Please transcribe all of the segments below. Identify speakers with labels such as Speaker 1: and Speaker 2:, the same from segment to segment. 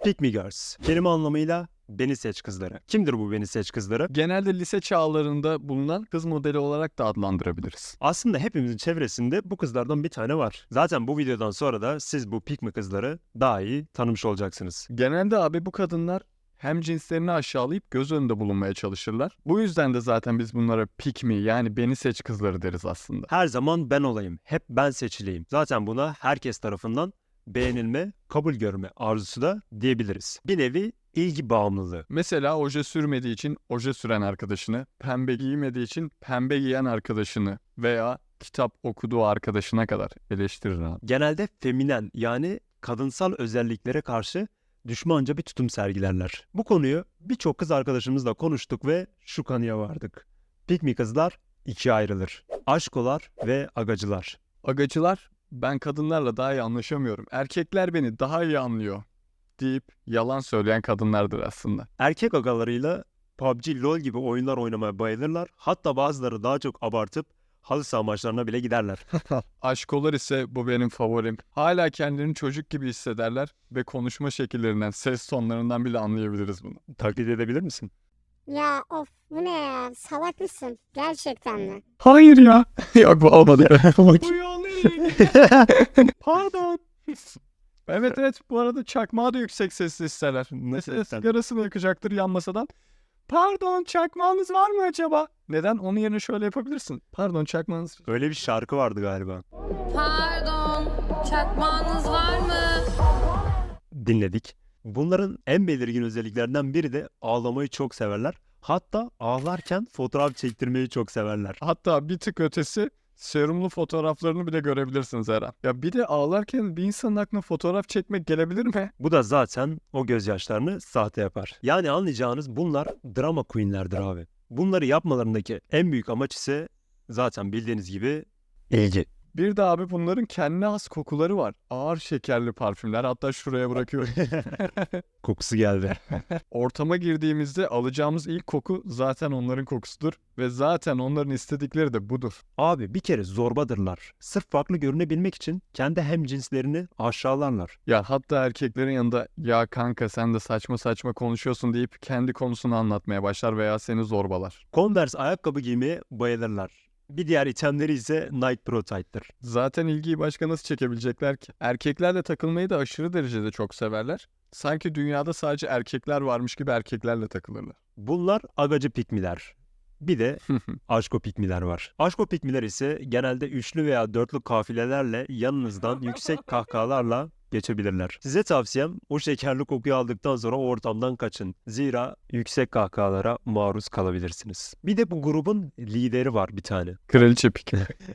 Speaker 1: Pick me girls. Kelime anlamıyla beni seç kızları. Kimdir bu beni seç kızları?
Speaker 2: Genelde lise çağlarında bulunan kız modeli olarak da adlandırabiliriz.
Speaker 1: Aslında hepimizin çevresinde bu kızlardan bir tane var. Zaten bu videodan sonra da siz bu pick me kızları daha iyi tanımış olacaksınız.
Speaker 2: Genelde abi bu kadınlar hem cinslerini aşağılayıp göz önünde bulunmaya çalışırlar. Bu yüzden de zaten biz bunlara pick me yani beni seç kızları deriz aslında.
Speaker 1: Her zaman ben olayım, hep ben seçileyim. Zaten buna herkes tarafından beğenilme, kabul görme arzusu da diyebiliriz. Bir nevi ilgi bağımlılığı.
Speaker 2: Mesela oje sürmediği için oje süren arkadaşını, pembe giymediği için pembe giyen arkadaşını veya kitap okuduğu arkadaşına kadar eleştirir abi.
Speaker 1: Genelde feminen yani kadınsal özelliklere karşı düşmanca bir tutum sergilerler. Bu konuyu birçok kız arkadaşımızla konuştuk ve şu kanıya vardık. Pick me kızlar ikiye ayrılır. Aşkolar ve agacılar.
Speaker 2: Agacılar, ben kadınlarla daha iyi anlaşamıyorum, erkekler beni daha iyi anlıyor deyip yalan söyleyen kadınlardır aslında.
Speaker 1: Erkek agalarıyla PUBG, LoL gibi oyunlar oynamaya bayılırlar. Hatta bazıları daha çok abartıp halı saha maçlarına bile giderler.
Speaker 2: Aşkolar ise bu benim favorim. Hala kendilerini çocuk gibi hissederler ve konuşma şekillerinden, ses tonlarından bile anlayabiliriz bunu.
Speaker 1: Taklit edebilir misin?
Speaker 3: Ya of bu ne ya? Salak mısın? Gerçekten mi?
Speaker 2: Hayır ya. Yok bu olmadı. Pardon. Evet bu arada çakmağı da yüksek sesli isterler. Mesela sigarasını yakacaktır yan masadan. Pardon çakmağınız var mı acaba? Neden? Onun yerine şöyle yapabilirsin. Pardon çakmağınız.
Speaker 1: Öyle bir şarkı vardı galiba.
Speaker 4: Pardon, çakmağınız var mı?
Speaker 1: Dinledik. Bunların en belirgin özelliklerinden biri de ağlamayı çok severler. Hatta ağlarken fotoğraf çektirmeyi çok severler.
Speaker 2: Hatta bir tık ötesi serumlu fotoğraflarını bile görebilirsiniz her an. Ya bir de ağlarken bir insanın aklına fotoğraf çekmek gelebilir mi?
Speaker 1: Bu da zaten o gözyaşlarını sahte yapar. Yani anlayacağınız bunlar drama queenlerdir abi. Bunları yapmalarındaki en büyük amaç ise zaten bildiğiniz gibi ilgi.
Speaker 2: Bir de abi bunların kendine has kokuları var. Ağır şekerli parfümler, hatta şuraya bırakıyorum.
Speaker 1: Kokusu geldi.
Speaker 2: Ortama girdiğimizde alacağımız ilk koku zaten onların kokusudur. Ve zaten onların istedikleri de budur.
Speaker 1: Abi bir kere zorbadırlar. Sırf farklı görünebilmek için kendi hemcinslerini aşağılarlar.
Speaker 2: Ya hatta erkeklerin yanında ya kanka sen de saçma saçma konuşuyorsun deyip kendi konusunu anlatmaya başlar veya seni zorbalar.
Speaker 1: Converse ayakkabı giymeye bayılırlar. Bir diğer itemleri ise Nike Pro Tight'tır.
Speaker 2: Zaten ilgiyi başka nasıl çekebilecekler ki? Erkeklerle takılmayı da aşırı derecede çok severler. Sanki dünyada sadece erkekler varmış gibi erkeklerle takılırlar.
Speaker 1: Bunlar agacı pikmiler. Bir de aşko pikmiler var. Aşko pikmiler ise genelde üçlü veya dörtlü kafilelerle yanınızdan yüksek kahkahalarla geçebilirler. Size tavsiyem o şekerli kokuyu aldıktan sonra o ortamdan kaçın. Zira yüksek kahkahalara maruz kalabilirsiniz. Bir de bu grubun lideri var bir tane.
Speaker 2: Kraliçe pik.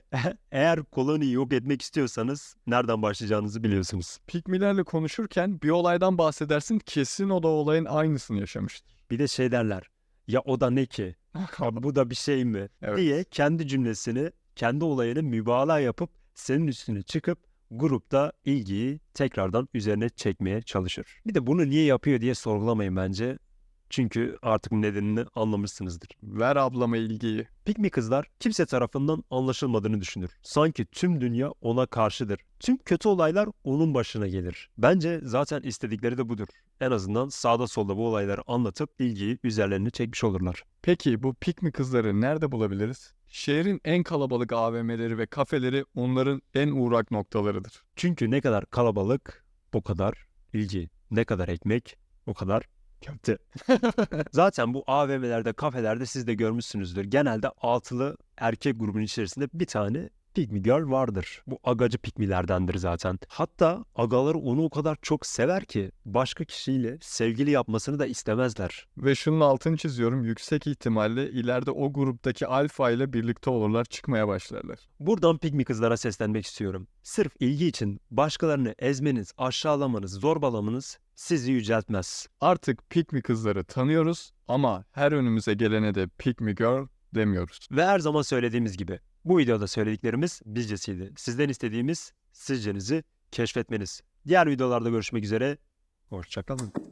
Speaker 1: Eğer koloniyi yok etmek istiyorsanız nereden başlayacağınızı biliyorsunuz.
Speaker 2: Pikmilerle konuşurken bir olaydan bahsedersin, kesin o da olayın aynısını yaşamıştır.
Speaker 1: Bir de şey derler. Ya o da ne ki? Ha, bu da bir şey mi?
Speaker 2: Evet.
Speaker 1: Diye kendi cümlesini, kendi olayını mübalağa yapıp senin üstüne çıkıp grupta ilgiyi tekrardan üzerine çekmeye çalışır. Bir de bunu niye yapıyor diye sorgulamayın bence. Çünkü artık nedenini anlamışsınızdır.
Speaker 2: Ver ablama ilgiyi.
Speaker 1: Pick me kızlar kimse tarafından anlaşılmadığını düşünür. Sanki tüm dünya ona karşıdır. Tüm kötü olaylar onun başına gelir. Bence zaten istedikleri de budur. En azından sağda solda bu olayları anlatıp ilgiyi üzerlerine çekmiş olurlar.
Speaker 2: Peki bu pikmi kızları nerede bulabiliriz? Şehrin en kalabalık AVM'leri ve kafeleri onların en uğrak noktalarıdır.
Speaker 1: Çünkü ne kadar kalabalık o kadar ilgi. Ne kadar ekmek o kadar köfte. Zaten bu AVM'lerde, kafelerde siz de görmüşsünüzdür. Genelde altılı erkek grubun içerisinde bir tane pick me girl vardır. Bu agacı pikmilerdendir zaten. Hatta agaları onu o kadar çok sever ki başka kişiyle sevgili yapmasını da istemezler.
Speaker 2: Ve şunun altını çiziyorum, yüksek ihtimalle ileride o gruptaki alfa ile birlikte olurlar, çıkmaya başlarlar.
Speaker 1: Buradan pick me kızlara seslenmek istiyorum. Sırf ilgi için başkalarını ezmeniz, aşağılamanız, zorbalamanız sizi yüceltmez.
Speaker 2: Artık pikmi kızları tanıyoruz ama her önümüze gelene de pikmi girl demiyoruz.
Speaker 1: Ve her zaman söylediğimiz gibi bu videoda söylediklerimiz bizcesiydi. Sizden istediğimiz sizcenizi keşfetmeniz. Diğer videolarda görüşmek üzere. Hoşça kalın.